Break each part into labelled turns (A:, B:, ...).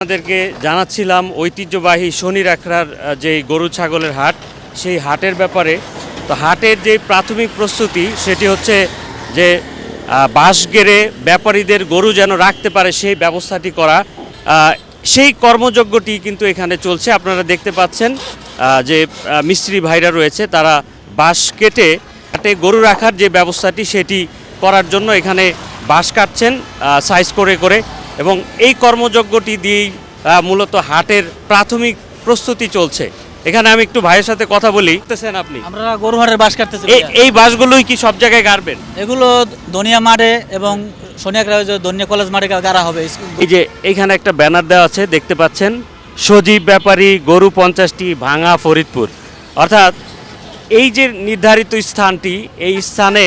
A: আপনাদেরকে জানাচ্ছিলাম ঐতিহ্যবাহী শনির আখড়ার যে গরু ছাগলের হাট, সেই হাটের ব্যাপারে। তো হাটের যে প্রাথমিক প্রস্তুতি সেটি হচ্ছে যে বাঁশ গেড়ে ব্যাপারীদের গরু যেন রাখতে পারে সেই ব্যবস্থাটি করা। সেই কর্মযজ্ঞটি কিন্তু এখানে চলছে। আপনারা দেখতে পাচ্ছেন যে মিস্ত্রি ভাইরা রয়েছে, তারা বাঁশ কেটে হাটে গরু রাখার যে ব্যবস্থাটি সেটি করার জন্য এখানে বাঁশ কাটছেন সাইজ করে করে, এবং এই কর্মযজ্ঞটি দিয়েই মূলত হাটের প্রাথমিক প্রস্তুতি চলছে। এখানে আমি একটু ভাইয়ের সাথে কথা বলি। আপনি
B: আমরা গরু হাটের বাঁশ কাটতেছি।
A: এই বাঁশগুলোই কি সব জায়গায় গাড়বেন?
B: এগুলো দনিয়া মাঠে এবং সোনিয়াকড়া দনিয়া কলেজ মাঠে গাড়া হবে।
A: এই যে এইখানে একটা ব্যানার দেওয়া আছে, দেখতে পাচ্ছেন, সজীব ব্যাপারী গরু 50টি, ভাঙা ফরিদপুর। অর্থাৎ এই যে নির্ধারিত স্থানটি, এই স্থানে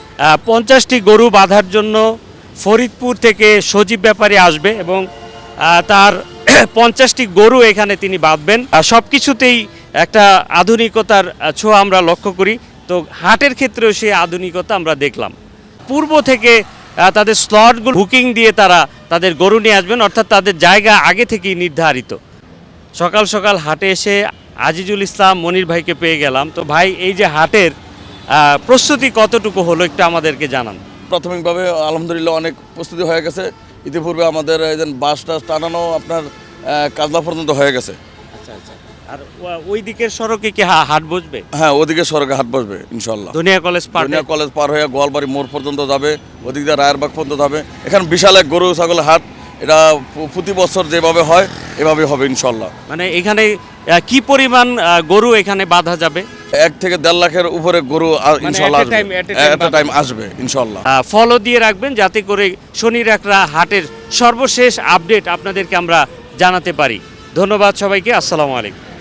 A: 50টি গরু বাঁধার জন্য ফরিদপুর থেকে সজীব ব্যাপারী আসবে এবং তার 50টি গরু এখানে তিনি বাঁধবেন। সব কিছুতেই একটা আধুনিকতার ছোঁয়া আমরা লক্ষ্য করি। তো হাটের ক্ষেত্রেও সেই আধুনিকতা আমরা দেখলাম। পূর্ব থেকে তাদের স্লটগুলো বুকিং দিয়ে তারা তাদের গরু নিয়ে আসবেন, অর্থাৎ তাদের জায়গা আগে থেকেই নির্ধারিত। সকাল সকাল হাটে এসে আজিজুল ইসলাম মনির ভাইকে পেয়ে গেলাম। তো ভাই, এই যে হাটের প্রস্তুতি কতটুকু হলো একটু আমাদেরকে জানান।
C: প্রাথমিকভাবে আলহামদুলিল্লাহ অনেক প্রস্তুতি হয়ে গেছে। ইতিপূর্বে আমাদের এই যে বাস টাস টানানো আপনার কাজলা পর্যন্ত হয়ে গেছে।
A: আচ্ছা আচ্ছা। আর ওই দিকের সড়কে কি হাট বসবে?
C: হ্যাঁ, ওদিকে সড়কে হাট বসবে ইনশাল্লাহ।
A: দুনিয়া কলেজ
C: পার হয়ে গোয়ালবাড়ি মোড় পর্যন্ত যাবে, ওদিক দিয়ে রায়েরবাগ পর্যন্ত যাবে। এখানে বিশাল এক গরু ছাগলের হাট, এটা প্রতি বছর যেভাবে হয় এভাবে হবে ইনশাল্লাহ।
A: মানে এখানে কি পরিমাণ গরু এখানে বাঁধা যাবে?
C: 1 থেকে 1.5 লাখের উপরে গরু ইনশাল্লাহ একটা টাইম আসবে ইনশাল্লাহ।
A: ফলো দিয়ে রাখবেন যাতে করে শনির আখড়া হাটের সর্বশেষ আপডেট আপনাদেরকে আমরা জানাতে পারি। ধন্যবাদ সবাইকে। আসসালামু আলাইকুম।